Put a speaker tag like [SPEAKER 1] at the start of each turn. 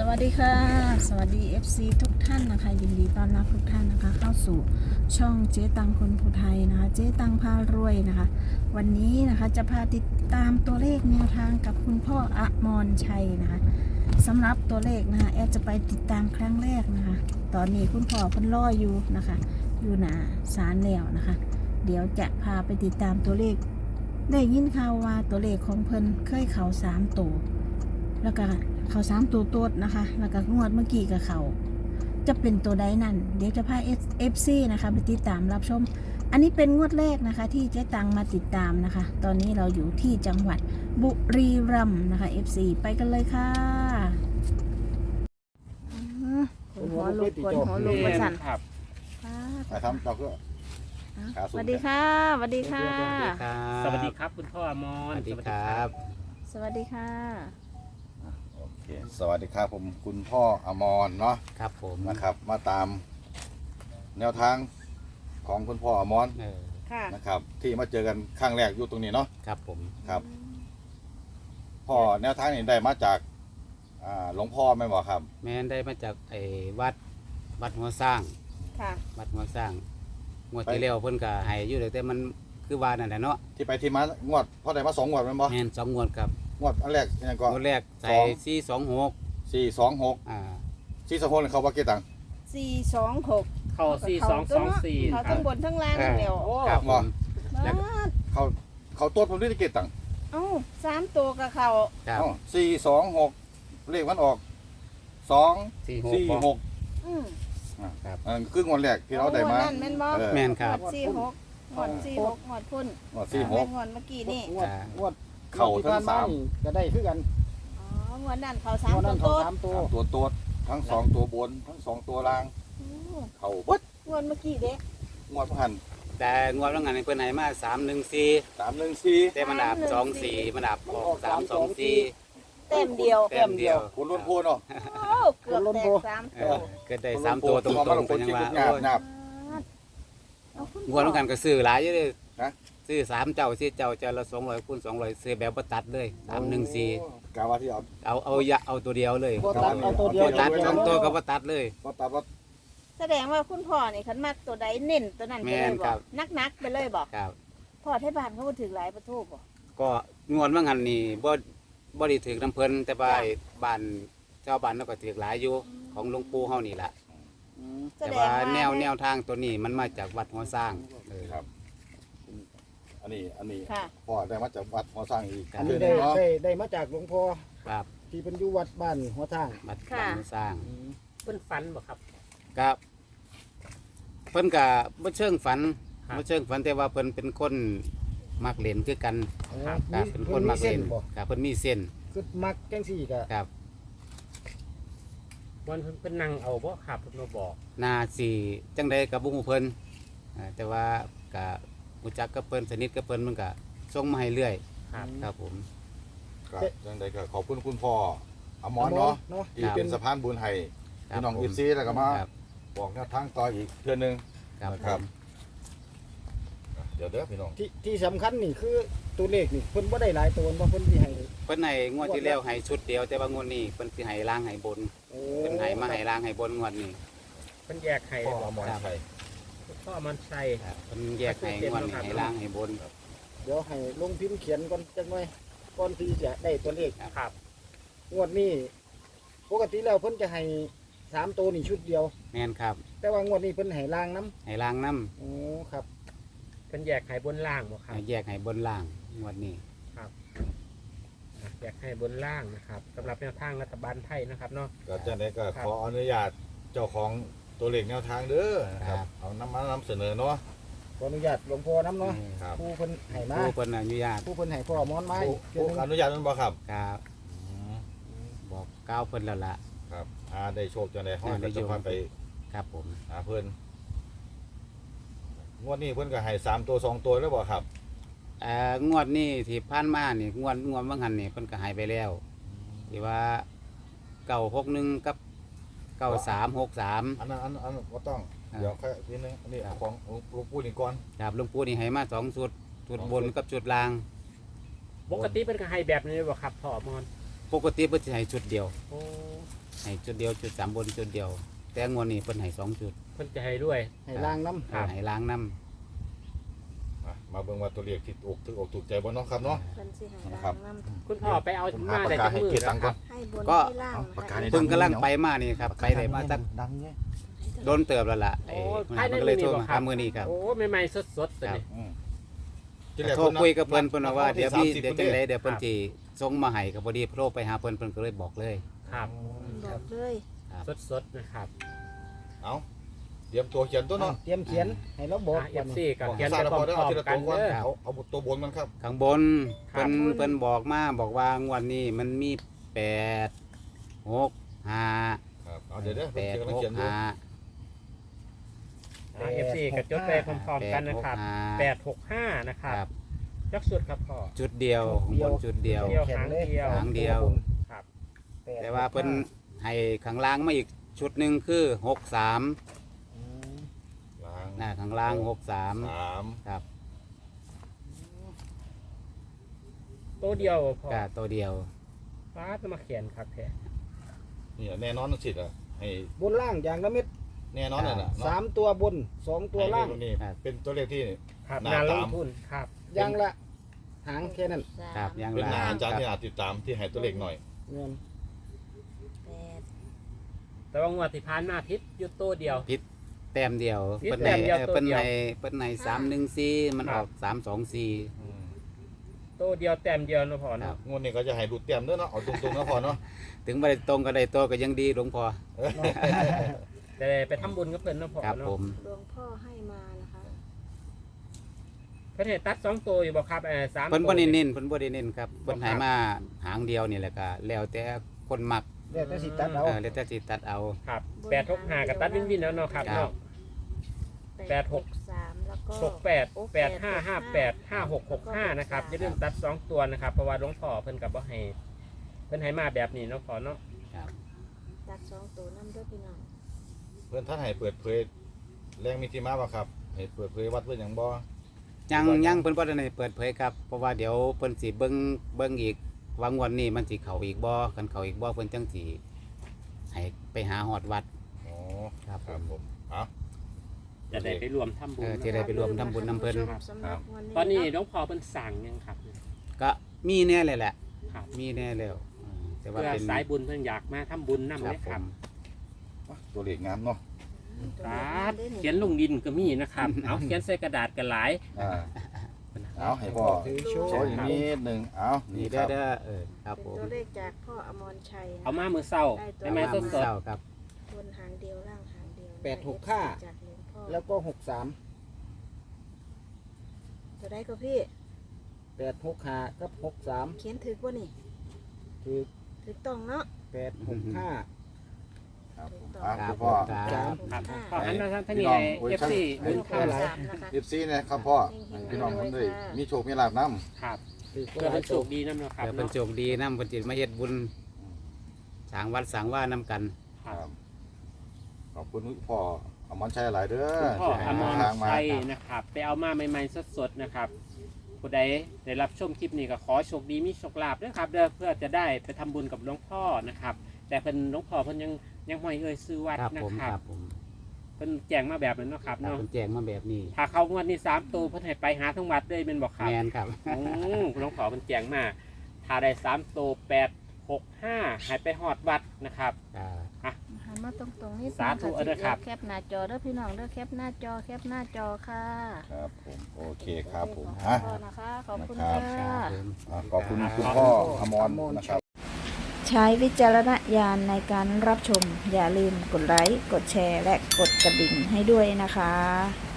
[SPEAKER 1] วัสดีค่ะสวัสดี FC ทุกท่านนะคะยินดีต้อนรับทุกท่านนะคะเข้าสู่ช่องเจ๊ตังคนภูไทยนะคะเจ๊ตังพารวยนะคะวันนี้นะคะจะพาติดตามตัวเลขแนวทางกับคุณพ่ออมรชัยนะคะสำหรับตัวเลขนะคะแอดจะไปติดตามครั้งแรกนะคะตอนนี้คุณพ่อเพิ่นรออยู่นะคะอยู่หน้าศาลแล้วนะคะเดี๋ยวจะพาไปติดตามตัวเลขได้ยินข่าวว่าตัวเลขของเพิ่นเคยเข่า3ตัวแล้วก็เขา3ตัวโต๊ดนะคะแล้วก็งวดเมื่อกี้กับเขาจะเป็นตัวใดนั่นเดี๋ยวจะพา FC นะคะไปติดตามรับชมอันนี้เป็นงวดแรกนะคะที่เจ๊ตังมาติดตามนะคะตอนนี้เราอยู่ที่จังหวัดบุรีรัมย์นะคะ FC ไปกันเลยค่ะคนหัวลุกคนหัวลุกมาสั่น
[SPEAKER 2] ครับ
[SPEAKER 3] มาทำเราก็
[SPEAKER 1] สวัสดีค่ะสวัสดีค่ะ
[SPEAKER 2] สวัสดีครับคุณพ่ออมร
[SPEAKER 4] สวัสดีครับ
[SPEAKER 1] สวัสดีค่ะ
[SPEAKER 3] โอเคสวัสดีครับผมคุณพ่ออมรเนาะ
[SPEAKER 4] ครับผม
[SPEAKER 3] นะครับมาตามแนวทางของคุณพ่ออมร
[SPEAKER 1] ค่ะ
[SPEAKER 3] นะครับที่มาเจอกันครั้งแรกอยู่ตรงนี้เนาะ
[SPEAKER 4] ครับผม
[SPEAKER 3] ครับพ่อแนวทางนี้ได้มาจากหลวงพ่อไม่บอกครับ
[SPEAKER 4] แม่ได้มาจากไอ้วัดหัวสร้าง
[SPEAKER 1] ค่ะ
[SPEAKER 4] วัดหัวสร้างงวดที่แล้วเพิ่นก็ให้อยู่แต่มันคือว่านั่นแหละเนาะ
[SPEAKER 3] ที่ไปที่มางวดพ่อได้มา2 งวดแม่นบ่
[SPEAKER 4] แม่น2 งวดครับ
[SPEAKER 3] งวดอันแรกยังก็
[SPEAKER 4] งวดแรกใส่426
[SPEAKER 3] 426เขาว่ากี่ตังค์
[SPEAKER 1] 426
[SPEAKER 2] เข้า4224
[SPEAKER 1] เขาทั้งบนทั้งล่างนั่นแหละ
[SPEAKER 3] ครับว่าเขาตัวผมได้กี่ตังค์
[SPEAKER 1] 3ตัวกับเขา
[SPEAKER 3] 426เลขมันออก246
[SPEAKER 4] ครับ
[SPEAKER 3] คืองวดแรกที่เราได้มา
[SPEAKER 4] แม่นครับ
[SPEAKER 1] 46งวด46งวดพุ่น
[SPEAKER 3] งวด46
[SPEAKER 1] งวดเมื่อกี้นี่
[SPEAKER 3] งวดเข่าทั้ง
[SPEAKER 5] ก็ได้คือกัน
[SPEAKER 1] งวดนั้นเขา3ตัว
[SPEAKER 3] ตัวทั้ง2ตัวบนทั้ง2ตัวล่างเข่าปึ๊ด
[SPEAKER 1] งวดเมื่อกี้เด้
[SPEAKER 3] งวดพัน
[SPEAKER 4] แต่งวดแล้วงานเพิ่นให้มา314แต่มันดับ24มันดับออก324
[SPEAKER 1] เต็มเดียว
[SPEAKER 3] คุณล้นพูนเนาะ
[SPEAKER 1] เกือบแตก3ตัว
[SPEAKER 4] เกิดได้3ตัวตรงๆเป็นยังว่างวดแล้วกันก็ซื้อหลายอยู่เลยซื้อ3เจ้า4เจ้าละ200คูณ200ซื้อแบบบ่ตัดเลย314
[SPEAKER 3] กะว่าที่
[SPEAKER 4] เอาตัวเดียวเลย
[SPEAKER 5] เอาตัวเดียว
[SPEAKER 4] ตัด2ตัวก็บ่ตัดเลย
[SPEAKER 3] บ่ตัดว่า
[SPEAKER 1] แสดงว่าคุณพ่อนี่คันมักตัวใดเน้นตัวนั้นไปเลยบ่นักๆไปเลยบ่
[SPEAKER 4] ครับ
[SPEAKER 1] พ่อไทบ้านเขาบ่ถึงหลายประตูบ่
[SPEAKER 4] ก็งวดว่างั้นนี่บ่ได้ถึกน้ำเพิ่นแต่ว่าบ้านชาวบ้านเราก็ถึกหลายอยู่ของหลวงปู่เฮานี่ล่ะแต่ว่าแนวทางตัวนี้มันมาจากวัดหัวสร้าง
[SPEAKER 3] ครับอันนี้พ่อได้มาจากวัดหัวสร้างอีก
[SPEAKER 5] อันนี้ได้มาจากหลวงพ่อ
[SPEAKER 4] ครับ
[SPEAKER 5] ที่เป็นอยู่วัดบ้านหัวสร้าง
[SPEAKER 4] วัดหัวสร้าง
[SPEAKER 2] เพิ่นฝันบ่ครับ
[SPEAKER 4] ครับเพิ่นก็บ่เชิงฝันแต่ว่าเพิ่นเป็นคนมักเล่นคือกันครับเป็นคนมักเล่นครับเพิ่นมีเส้น
[SPEAKER 5] คือมักจังซี่ก็
[SPEAKER 4] ครับ
[SPEAKER 2] วันเพิ่นเป็นนั่งเอาบ่ครับเพิ่นมาบอก
[SPEAKER 4] น่าสิจังได๋ก็บ่ฮู้เพิ่นแต่ว่าก็รู้จักกับเพิ่นสนิทกับเพิ่นมันก็ส่งมาให้เรื่อยครับผม
[SPEAKER 3] ครับจังได๋ก็ขอบคุณคุณพ่ออมรเนาะที่เป็นสะพานบุญให้พี่น้องFCแล้วก็มาบอกแนวทางต่ออีกเทื่อนึงครับเดี๋ยวพี่น้อง
[SPEAKER 5] ที่สำคัญนี่คือตัวเลขนี่เพิ่นบ่ได้หลายตัวบ่เพิ่นสิให้
[SPEAKER 4] เพิ่นให้งวดที่แล้วให้ชุดเดียวแต่ว่างวดนี้เพิ่นสิให้ล่างให้บนเพิ่นให้มาให้ล่างให้บนงวดนี้
[SPEAKER 2] เพิ่นแยกให้
[SPEAKER 3] พ่ออมรชัย
[SPEAKER 2] พ่ออมรชัย
[SPEAKER 4] เพิ่นแยกให้งวดนี้ให้ล่างให้บน
[SPEAKER 5] เดี๋ยวให้ลงพิมพ์เขียนก่อนจักหน่อยก่อนที่จะได้ตัวเลข
[SPEAKER 2] ครับ
[SPEAKER 5] งวดนี้ปกติแล้วเพิ่นจะให้3ตัวนี่ชุดเดียว
[SPEAKER 4] แม่นครับ
[SPEAKER 5] แต่ว่างวดนี้เพิ่นให้ล่างนำ
[SPEAKER 4] ให้ล่างน
[SPEAKER 5] ำครับ
[SPEAKER 2] เพิ่นแยกให้บนล่างบ่ครับ
[SPEAKER 4] แยกให้บนล่างงวดนี้
[SPEAKER 2] ครับแยกให้บนล่างนะครับสำหรับแนวทางรัฐบาลไทยนะครับเนาะ
[SPEAKER 3] ก็จังได๋ก็ขออนุญาตเจ้าของตัวเลขแนวทางเด้อครับเอานำเสนอเนาะ
[SPEAKER 5] ขออนุญาตหลวงพ่อนำเนาะผู้เพิ่นให้มา
[SPEAKER 4] ผู้เพิ่นอนุญาต
[SPEAKER 5] ผู้เพิ่นให้พ่อมอนมา
[SPEAKER 3] ผู้อนุญาตมันบ่ครับ
[SPEAKER 4] ครับบอกก้าวเพิ่นแล้วล่ะ
[SPEAKER 3] ครับได้โชคจังได๋เฮาจะพาไป
[SPEAKER 4] ครับผม
[SPEAKER 3] เพิ่นงวดนี้เพิ่นก็ให้3ตัว2ตัวแล้วบ่ครับ
[SPEAKER 4] งวดนี้ที่ผ่านมานี่งวดบางหันนี่เพิ่นก็ให้ไปแล้วที่ว่า961กับ9363
[SPEAKER 3] อันนั้นบ่ต้องเดี๋ยวค่อยนิดนึงอันนี้ของหลวงปู่นี่ก่อน
[SPEAKER 4] ครับหลวงปู่นี่ให้มา2ชุดบนกับชุดล่าง
[SPEAKER 2] ปกติเพิ่นก็ให้แบบนี้บ่ครับพ่ออมร
[SPEAKER 4] ปกติเพิ่นสิให้ชุดเดียวให้จุดเดียวจุด3บนจุดเดียวแต่งวดนี้เพิ่นให้2จุด
[SPEAKER 2] เพิ่นจะให้ด้วย
[SPEAKER 5] ให้ล้างน้ำ
[SPEAKER 2] ครับ
[SPEAKER 4] ให้ล้างน้ำ
[SPEAKER 3] มาเบิ่งว่าตัวเลขที่ถูกใจบ่เนาะครับเนาะ
[SPEAKER 1] เพิ่นสิให้
[SPEAKER 3] ครั
[SPEAKER 1] ล้า
[SPEAKER 3] บ
[SPEAKER 1] งน้ำ
[SPEAKER 2] คุณพ่อไปเอา
[SPEAKER 3] ผม
[SPEAKER 2] มา
[SPEAKER 3] หาปาก
[SPEAKER 2] ได้
[SPEAKER 3] กา
[SPEAKER 2] จัก
[SPEAKER 3] ให้
[SPEAKER 2] มือ
[SPEAKER 3] เกียรติตังค์ก่อน
[SPEAKER 1] ให้บน
[SPEAKER 4] ก็
[SPEAKER 1] ให้ล่าง
[SPEAKER 3] ปากกา
[SPEAKER 1] นะคะ
[SPEAKER 3] นี่
[SPEAKER 4] เพิ่งกำลังไปมานี่ครับไปได้มาตั้ง
[SPEAKER 3] ดังเนี่ย
[SPEAKER 4] โดนเติบแล้วล่ะ
[SPEAKER 2] โอ้
[SPEAKER 4] มัน
[SPEAKER 2] ภายใน
[SPEAKER 4] ก็เลยโทร
[SPEAKER 2] มื้อนี้บ่
[SPEAKER 4] มา
[SPEAKER 2] ครับ
[SPEAKER 4] หามื้อนี้ครับ
[SPEAKER 2] โอ้ใหม่ๆสดๆตัวนี้
[SPEAKER 4] โทรคุยกับเพิ่นว่าว่าเดี๋ยวพี่เดี๋ยวจังได๋เดี๋ยวเพิ่น
[SPEAKER 2] ครับ
[SPEAKER 4] สิส่งมาให้ก็พอดีโทรไปหาเพิ่นก็เลยบอกเลย
[SPEAKER 2] ครับ
[SPEAKER 1] บอกเลย
[SPEAKER 2] สดๆนะครับ
[SPEAKER 3] เอาเตรียมตัวเขียนตัวเนาะ
[SPEAKER 5] เตรียมเขียนให้เราบอก
[SPEAKER 2] เอ
[SPEAKER 5] ก่อน
[SPEAKER 2] ฟซีกับ
[SPEAKER 3] บอก
[SPEAKER 2] เขียน
[SPEAKER 3] ซา
[SPEAKER 2] ไป
[SPEAKER 3] แล้ว
[SPEAKER 2] พ
[SPEAKER 3] พอได้
[SPEAKER 2] ร้อ
[SPEAKER 3] เอา
[SPEAKER 2] ม
[SPEAKER 3] ทีละ
[SPEAKER 2] ๆกั
[SPEAKER 3] ตั
[SPEAKER 2] น
[SPEAKER 3] วก่อน
[SPEAKER 2] เด้อ
[SPEAKER 3] เอาตัวบนมันครับ
[SPEAKER 4] ข้างบนเพิ่นบอกมาบอกว่างวดนี้มันมี8 6 5
[SPEAKER 3] ครับเอาเดี๋ยว
[SPEAKER 4] 8
[SPEAKER 3] เพิ่นกำลังเขียน
[SPEAKER 4] 6
[SPEAKER 3] อยู่
[SPEAKER 4] 5
[SPEAKER 2] เอฟซีกับจดไปพร้อมๆกันนะครับ
[SPEAKER 4] 8
[SPEAKER 2] 865 นะครับ
[SPEAKER 4] ครับ
[SPEAKER 2] ยักสุดครับพ่อ
[SPEAKER 4] จุดเดียวข้างบนจุดเดียว
[SPEAKER 2] เดียวหางเดียว
[SPEAKER 4] หางเดียว
[SPEAKER 2] ครับ
[SPEAKER 4] แต่ว่าเพิ่นให้ข้างล่างมาอีกชุดหนึงคือ63
[SPEAKER 3] ล้าง
[SPEAKER 4] หน้าข้างล่าง
[SPEAKER 3] สาม
[SPEAKER 4] 63ครับ
[SPEAKER 2] ตัวเดียวพ่อ
[SPEAKER 4] ก็ตัวเดียว
[SPEAKER 2] ฟ้าจะมาเขียนครับแท้
[SPEAKER 3] นี่แน่นอนสิอ่ะให้
[SPEAKER 5] บนล่างอย่างละเม็ด
[SPEAKER 3] แน่นอนน่ะนะ
[SPEAKER 5] 3ตัวบน2ตัวล่าง
[SPEAKER 3] นี่เป็นตัวเลขที่
[SPEAKER 2] ครับ
[SPEAKER 3] หน้า
[SPEAKER 2] นาล
[SPEAKER 3] ตาม
[SPEAKER 2] งทุนครับ
[SPEAKER 5] อย่างละหางแค่นั้น
[SPEAKER 4] ครับยัง
[SPEAKER 3] เป็น
[SPEAKER 4] ล่า
[SPEAKER 3] หน้าง อาจารย์ที่อาจติดตามที่ให้ตัวเลขหน่อย
[SPEAKER 5] เงิน
[SPEAKER 1] แปด
[SPEAKER 2] แต่ว่างวดที่ผ่านมาพิษอยู่ตัวเดียว
[SPEAKER 4] แต้มเดียว
[SPEAKER 2] ผิด
[SPEAKER 4] เพิ่น
[SPEAKER 2] แต้
[SPEAKER 4] ให้
[SPEAKER 2] มเดียวตัว
[SPEAKER 4] เพิ่น
[SPEAKER 2] เดียว
[SPEAKER 4] ให้เพิ่นให้314มันออก324
[SPEAKER 2] ตัวเดียวแต้มเดียวนะพ่อ
[SPEAKER 4] ครั
[SPEAKER 2] เนาะ
[SPEAKER 4] บ
[SPEAKER 3] งวดนี้ก็จะให้ดูดเต็มด้วยเนาะเอาตรงๆนะพอเนาะ
[SPEAKER 4] ถึงบ่ได้ตรงก็ได้ตัวก็ยังดีหลวงพ่อ
[SPEAKER 2] แต่ไปทำบุญกับเพิ่นนะพ่อ
[SPEAKER 4] ครับ
[SPEAKER 2] เนาะ
[SPEAKER 4] ผม
[SPEAKER 1] หลวงพ่อให้มานะคะ
[SPEAKER 2] เพิ่นให้ตัด2ตัวอยู่บ่ครับ3
[SPEAKER 4] เพิ่น
[SPEAKER 2] ตัว
[SPEAKER 4] บ่ได้เน้นเพิ่นบ่ได้เน้นครับเพิ่นให้มาหางเดียวนี่แหละก็แล้วแต่คนมัก
[SPEAKER 5] เดี๋ยวจะสิตัดเอา
[SPEAKER 4] แล้วแต่สิตัดเอา
[SPEAKER 2] ครับ865กับตัดวินๆแล้วเนาะครับ
[SPEAKER 4] ครับ
[SPEAKER 2] เนาะ 8 6
[SPEAKER 1] 3แล้วก็
[SPEAKER 2] 68 8558 5665นะครับอย่าลืมตัด2ตัวนะครับเพราะว่าหลวงพ่อเพิ่นก็บ่ให้เพิ่นให้มาแบบนี้เนาะพ่อเนาะ
[SPEAKER 4] ครับ
[SPEAKER 1] ตัด2ตัวน้ำด้วยพี่น้อง
[SPEAKER 3] เพื่อนท่านให้เปิดเผยแรงมีที่มาบ่ครับให้เปิดเผยวัดเพื่อนอย่างบ่
[SPEAKER 4] ยังเพิ่นบ่ได้เปิดเผยครับเพราะว่าเดี๋ยวเพิ่นสิเบิ่งอีกว่างวดนี้มันสิเข้าอีกบ่คันเข้าอีกบ่เพิ่นจังสิให้ไปหาฮอดวัด
[SPEAKER 3] อ๋อ
[SPEAKER 4] ครับ
[SPEAKER 3] ครับผมเอา
[SPEAKER 2] จะได้ไปรวมทำบุญ
[SPEAKER 4] จะได้ไปรวมทำบุญนำเพิ่น
[SPEAKER 1] สำหรับวันนี้
[SPEAKER 2] ตอนนี้หลวงพ่อเพิ่นสั่งยังครับ
[SPEAKER 4] ก็มีแน่เลยแหละ
[SPEAKER 2] ครับ
[SPEAKER 4] มีแน่แล้วแต่ว่า
[SPEAKER 2] เพื่อ
[SPEAKER 4] เป็น
[SPEAKER 2] สายบุญเพิ่นอยากมาทำบุญนำ
[SPEAKER 4] ค
[SPEAKER 2] เล
[SPEAKER 4] รับ
[SPEAKER 2] ย
[SPEAKER 4] ผ
[SPEAKER 2] ครับ
[SPEAKER 4] ม
[SPEAKER 3] ตัวเลขงามเนาะ
[SPEAKER 2] ครับเขียนลงดินก็มีนะครับ เอาเขียนใส่กระดาษกันหลาย
[SPEAKER 3] เอาให้พ่อ
[SPEAKER 5] ถือโช
[SPEAKER 3] โช
[SPEAKER 5] ว์
[SPEAKER 3] ว์อีกนิดหนึ่งเอานี่
[SPEAKER 4] นี่
[SPEAKER 3] ค
[SPEAKER 4] เด้
[SPEAKER 3] รั
[SPEAKER 4] อบ ครับ
[SPEAKER 1] เป็น
[SPEAKER 4] ผม
[SPEAKER 1] ตัวเลขจากพ่ออมรชัยนะ
[SPEAKER 2] เอามามือเศร้าได้ไหม
[SPEAKER 4] มา
[SPEAKER 2] ส
[SPEAKER 4] มื้อ
[SPEAKER 2] ด
[SPEAKER 4] เช้าครับ
[SPEAKER 1] บนหางเดียวล่างหางเดียว
[SPEAKER 5] 865
[SPEAKER 1] จากหลวงพ่อ
[SPEAKER 5] แล้วก็
[SPEAKER 1] ตัวได้ก็พี่
[SPEAKER 5] 63 865กับ63
[SPEAKER 1] เขียนถึกว่านี่
[SPEAKER 5] คือ
[SPEAKER 1] ถึกต้องเนาะ
[SPEAKER 5] 865
[SPEAKER 3] ครับผม
[SPEAKER 1] ถูกต้อง
[SPEAKER 3] อ่ะคุณพ่อ
[SPEAKER 4] ครับ
[SPEAKER 2] ๆครับขอหันมาทางนี้ให้ FC บุญ
[SPEAKER 1] ข้า
[SPEAKER 2] ข้าว ว
[SPEAKER 1] สามนะคะ
[SPEAKER 3] เอฟซีนะครับพ่อให้พี่น้องคนด้วยมีโชคมีลาภน้
[SPEAKER 2] ครับ
[SPEAKER 5] คือ
[SPEAKER 2] เพื่อเป็นโชคดีนำเนาะครับ
[SPEAKER 4] เดี๋ยวเพิ่น
[SPEAKER 2] เนาะ
[SPEAKER 4] โชคดีนำเพิ่นสิมาเฮ็ดบุญสร้างวัดสร้างว่านำกัน
[SPEAKER 3] ำครับขอบคุณพ่ออมรชัยหลายเด้อ
[SPEAKER 2] คุณพ่อ
[SPEAKER 3] ที่
[SPEAKER 2] อ
[SPEAKER 3] ให้
[SPEAKER 2] มร
[SPEAKER 3] ทางมา
[SPEAKER 2] ชัยนะครับไปเอามาใหม่ๆสดๆนะครับผู้ใดได้รับชมคลิปนี้ก็ขอโชคดีมีโชคลาภด้วยครับเด้อเพื่อจะได้ไปทำบุญกับหลวงพ่อนะครับ แต่เพิ่นหลวงพ่อเพิ่นยังไม่เอ่ยซื้อวัด
[SPEAKER 4] ครับ
[SPEAKER 2] นะ
[SPEAKER 4] ผม
[SPEAKER 2] ครั
[SPEAKER 4] ครับ บผม
[SPEAKER 2] เพิ่นแจ้งมาแบบนั้นเนาะครับ
[SPEAKER 4] ครับ
[SPEAKER 2] เนาะ
[SPEAKER 4] เพิ่นแจ้งมาแบบนี้
[SPEAKER 2] ถ้าเขางวดนี้3ตัวเพิ่นให้ไปหาทั้งวัดเลยเป็นบอกครับ
[SPEAKER 4] แม่นครับ
[SPEAKER 2] หลวงพ่อเพิ่นแจ้งมาถ้าได้3ตัว865ให้ไปฮอดวัดนะครับ
[SPEAKER 1] หันมาตรงๆนี่
[SPEAKER 2] สาธุเด้อครับ
[SPEAKER 1] แคปหน้าจอเด้อพี่น้องเด้อแคปหน้าจอแคปหน้าจอค่ะ
[SPEAKER 3] ครับผมโอเคครับผม
[SPEAKER 1] ข
[SPEAKER 3] อ่ะ
[SPEAKER 1] อบคุณนะคะขอบคุณ
[SPEAKER 3] ครั
[SPEAKER 1] ค่ะ
[SPEAKER 3] บ
[SPEAKER 4] ผม
[SPEAKER 3] ขอบคุณคุณพ่ออมรนะครับ
[SPEAKER 1] ใช้วิจารณญาณในการรับชม อย่าลืมกดไลค์ กดแชร์ และกดกระดิ่งให้ด้วยนะคะ